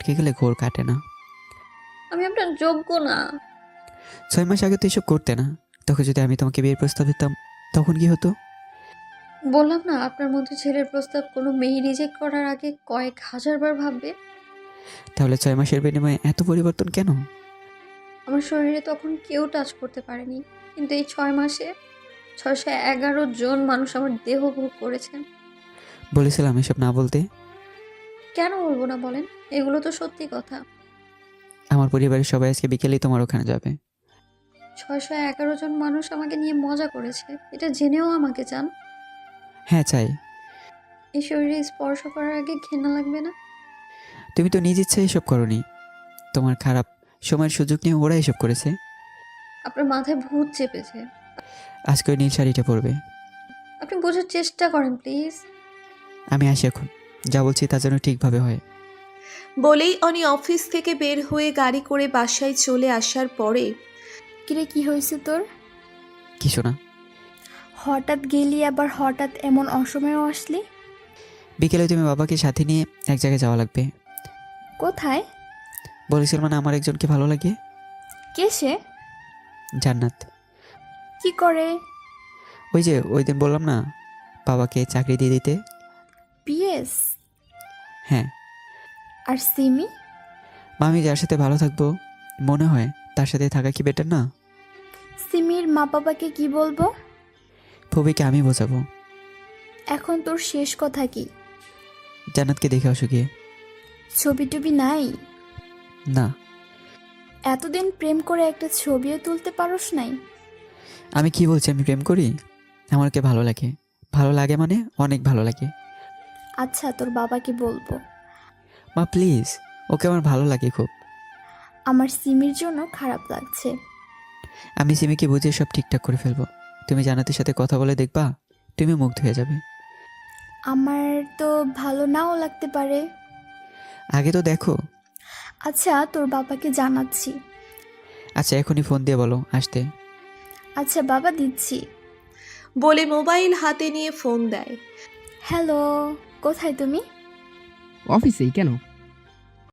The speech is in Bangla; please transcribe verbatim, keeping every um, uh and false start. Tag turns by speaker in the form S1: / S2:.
S1: আটকে গেলে ঘোর কাটে না।
S2: আমি আপনার যোগ্য না।
S1: ছয় মাস আগে তো এসব করতে না। তখন যদি আমি তোমাকে বিয়ের প্রস্তাব দিতাম তখন কি হতো?
S2: বললাম না, আপনার মধ্যে ছেলের প্রস্তাব কোনো মেয়ে রিজেক্ট করার আগে কয়েক হাজার বার ভাববে।
S1: তাহলে ছয় মাসের বিনিময়ে এত পরিবর্তন কেন?
S2: আমার শরীরে তখন কেউ টাচ করতে পারেনি, কিন্তু এই ছয় মাসে ছয়শো এগারো জন মানুষ আমার দেহ ভোগ করেছেন।
S1: বলেছিলাম এসব না বলতে।
S2: কেন বলবো না বলেন? এগুলো তো সত্যি কথা।
S1: আমার পরিবারের সবাই আজকে বিকেলেই তোমার ওখানে যাবে।
S2: ছয়শো এগারো জন মানুষ আমাকে নিয়ে মজা করেছে, এটা জেনেও আমাকে চান?
S1: হ্যাঁ চাই।
S2: এই শরীরে স্পর্শ করার আগে ঘেন্না লাগবে না?
S1: তুমি তো নিজ ইচ্ছায় এসব করনি। তোমার খারাপ সময়ের সুযোগ নিয়ে ওরা এসব করেছে।
S2: আপনার মাথায় ভূত চেপেছে।
S1: আজকে ওই নীল শাড়িটা পরবে।
S2: আপনি বোঝার চেষ্টা করেন প্লিজ।
S1: আমি আসি এখন। যা বলছি তা যেন ঠিকভাবে হয়।
S3: বলেই অনি অফিস থেকে বের হয়ে গাড়ি করে বাসায় চলে আসার পরে
S4: কিরে, কি হয়েছে তোর?
S1: কিছু না।
S4: হঠাৎ গেলি, আবার হঠাৎ এমন অসময়েও আসলি?
S1: বিকেলে তুমি বাবাকে সাথে নিয়ে এক জায়গায় যাওয়া লাগবে।
S4: কোথায়?
S1: বলেছিলাম না আমার একজনকে ভালো লাগে।
S4: কে সে?
S1: জান্নাত।
S4: কি করে?
S1: ওই যে ওই দিন বললাম না, বাবাকে চাকরি দিয়ে দিতে।
S4: পিএস?
S1: হ্যাঁ।
S4: আর সিমি?
S1: মামি যার সাথে ভালো থাকবো মনে হয় তার সাথে থাকা কি বেটার না?
S4: সিমির মা বাবাকে কি বলবো?
S1: ফুবিকে আমি বোঝাবো।
S4: এখন তোর শেষ কথা কি?
S1: জান্নাতকে দেখে আসো গিয়ে।
S4: ছবি টবি নাই?
S1: না।
S4: এতদিন প্রেম করে একটা ছবিও তুলতে পারোস নাই?
S1: আমি কি বলছি আমি প্রেম করি? আমাকে ভালো লাগে। ভালো লাগে মানে অনেক ভালো লাগে।
S4: আচ্ছা, তোর বাবাকে বলবো।
S1: মা প্লিজ, ওকে আমার ভালো লাগে খুব।
S4: আমার সিমির জন্য খারাপ লাগছে।
S1: আমি সিমিকে বুঝিয়ে সব ঠিকঠাক করে ফেলবো। তুমি জান্নাতের সাথে কথা বলে দেখবা, তুমি মুগ্ধ হয়ে যাবে।
S4: আমার তো ভালো নাও লাগতে পারে।
S1: আগে তো দেখো।
S4: আচ্ছা, তোর বাবাকে জানাচ্ছি।
S1: আচ্ছা এখনই ফোন দিয়ে বলো আসতে।
S4: আচ্ছা বাবা, দিচ্ছি।
S3: বলে মোবাইল হাতে নিয়ে ফোন দেয়।
S4: হ্যালো, কোথায় তুমি?
S5: অফিসেই কেন?